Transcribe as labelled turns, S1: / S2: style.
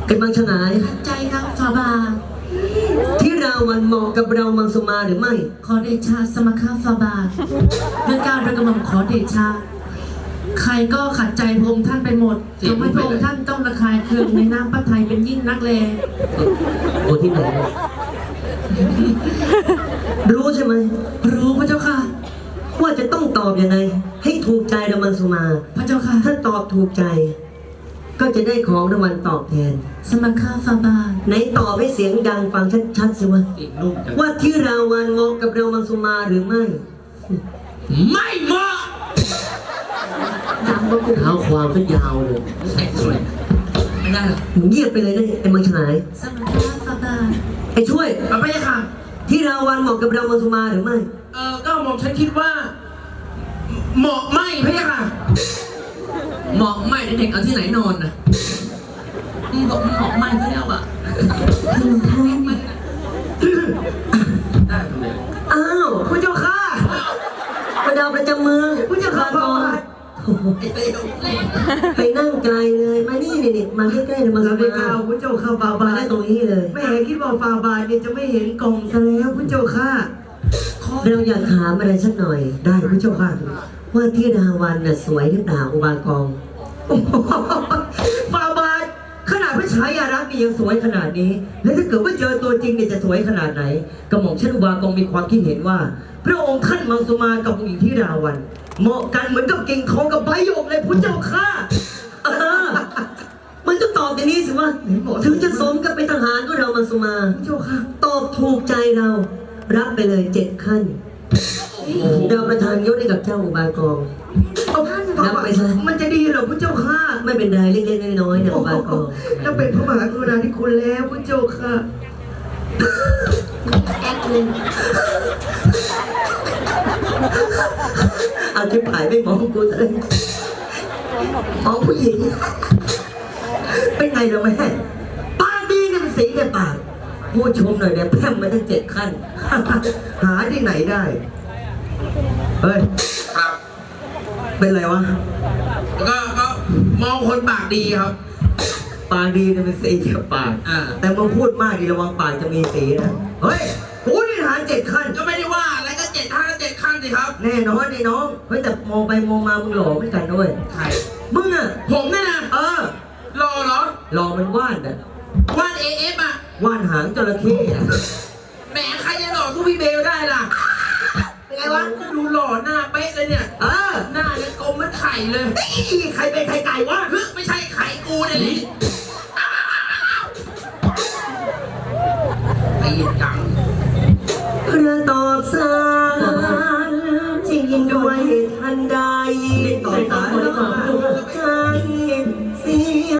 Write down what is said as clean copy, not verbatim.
S1: เป็นบางฉงาย
S2: ขัดใจครับฟาบา
S1: ที่ราวันเหมาะกับเรามังสมาหรือไม่
S2: ขอเดชะสมคาฟาบาทเมื่อการโดยกระหม่อมขอเดชะใครก็ขัดใจพระองค์ท่านไปหมดทำให้พระองค์ท่านต้องระคายเคืองในน้ำพระทัยเป็นยิ่งนักแล
S1: โอ้ที่ไหนรู้ใช่ไหม
S2: รู้พระเจ้าค่ะ
S1: ว่าจะต้องตอบยังไง ให้ถูกใจเรามังสมา
S2: พระเจ้าค่ะ
S1: ถ้าตอบถูกใจ ก็จะได้ของรางวัลตอบแทน
S2: สมคาฟาบาท
S1: ไหนตอบให้เสียงดังฟังชัดๆสิวะ
S3: เสียงนุ่มจัง
S1: ว่าที่ราวันเหมาะกับเรามังสมาหรือไม่
S3: ไม่เหมาะ
S2: ดังบ่กู
S1: เท้าความก็ยาวเลย
S3: ใส่สวยไม่ได้หรอก
S1: มึงเงียบไปเลยนะไอ้มังฉงาย
S2: สมคาฟาบาท
S1: ไอ้ช่วย
S3: เอาไปยังค่ะ
S1: ที่ราวันเหมาะกับเรามังสมาหรือไม่
S3: ก็หม่อมฉันคิดว่า เหมาะไม่พี่ค่ะ เหมาะไม่เด็กเอาที่ไหนนอนนะบอกเหมาะไม่ก็แล้วอ่ะได้เลย
S1: อ้าวพระเจ้าค่ะประดาวประจำเมืองพระเจ้าค่ะก่อน
S3: ไอ้เต้า
S1: ไปนั่งไกลเลยมานี่นี่มาใกล้ๆเลยมังส
S4: เรา
S1: มา
S4: ได้ข่าวพระเจ้าข้าฟาบา
S1: มา
S4: ท
S1: ได้ตรงนี้เลย
S4: แม่คิดว่าฟาบาทเนี่ยจะไม่เห็นกล่องซะแล้วพระเจ้าข้า
S1: เราอยากถามอะไรสักหน่อย
S4: ได้พระเจ้าข้า
S1: ว่าที่ราวันน่ะสวยหรือเปล่าอุบากอง
S4: ฟาบาทขนาดพระฉายารักษ์นี่ยังสวยขนาดนี้ แล้วถ้าเกิดว่าเจอตัวจริงเนี่ยจะสวยขนาดไหนกระหม่อมชันอุบากองมีความคิดเห็นว่า พระองค์ท่านมังสุมากับองค์หญิงที่ราวัน เหมาะกันเหมือนกับกิ่งทองกับใบหยกเลยพระเจ้าข้า
S1: เออมันก็ตอบอย่างนี้สิวะถึงจะสมกับเป็นทหารก็เรามังสมา
S4: พระเจ้าข้า
S1: ตอบถูกใจเรา รับไปเลย7 ขั้นเราประทานยศให้กับเจ้าอุบากอง
S4: เอาท่านฟา
S1: นับบ
S4: า
S1: ไป
S4: ท
S1: ซะ
S4: มันจะดีเหรอพระเจ้าข้า
S1: ไม่เป็นไรเล็กๆน้อยๆเนี่ยอุบากอง
S4: แล้วเป็นพระมหากรุณาธิคุณแล้วพระเจ้าข้า
S2: แอคเลย
S1: เอาที่ผายไม่มองกูเลยมองผู้หญิง
S4: เป็นไงเราแม่ปากดีเนี่ยมันสีในปาก
S1: พูดชมหน่อยเนี่ยแพร่มมาตั้ง7 ขั้น
S4: หาที่ไหนได้ เฮ้ย
S3: ครับ
S4: เป็นไรวะ
S3: ก็มองคนปากดีครับ
S4: ปากดีเนี่ยมันสีเกี่ยวปาก แต่มึงพูดมากดีระวังปากจะมีสีนะ เฮ้ย กูนี่ฐาน7 ขั้น
S3: ก็ไม่ได้ว่าอะไรก็7 ขั้นสิครับ
S4: แน่นอนไอ้น้อง เฮ้ยแต่มองไปมองมามึงหล่อเหมือนกันด้วย
S3: ใคร
S4: มึงอ่ะ
S3: ผมเนี่ยนะ
S4: เออ
S3: รอเหรอ
S4: หล่อมันว่านอ่ะ
S3: ว่านAFอ่ะ
S4: ว่านหางจระเข้อะ
S3: แหมใครจะหล่อสู้พี่เบลได้ล่ะ
S4: เป็นไงวะ
S3: ก็ดูหล่อหน้าเป๊ะเลยเนี่ย
S4: เออ
S3: หน้ายังกลมเหมือนไข่เลย
S4: นี่ใครเป็นไข่ไก่วะ
S3: เฮ้ยไม่ใช่ไข่กูเนี่ยนี่ไอ้จัง
S1: กระตอบสารจริงด้วยทันใด
S4: ต่อสารแล้วมา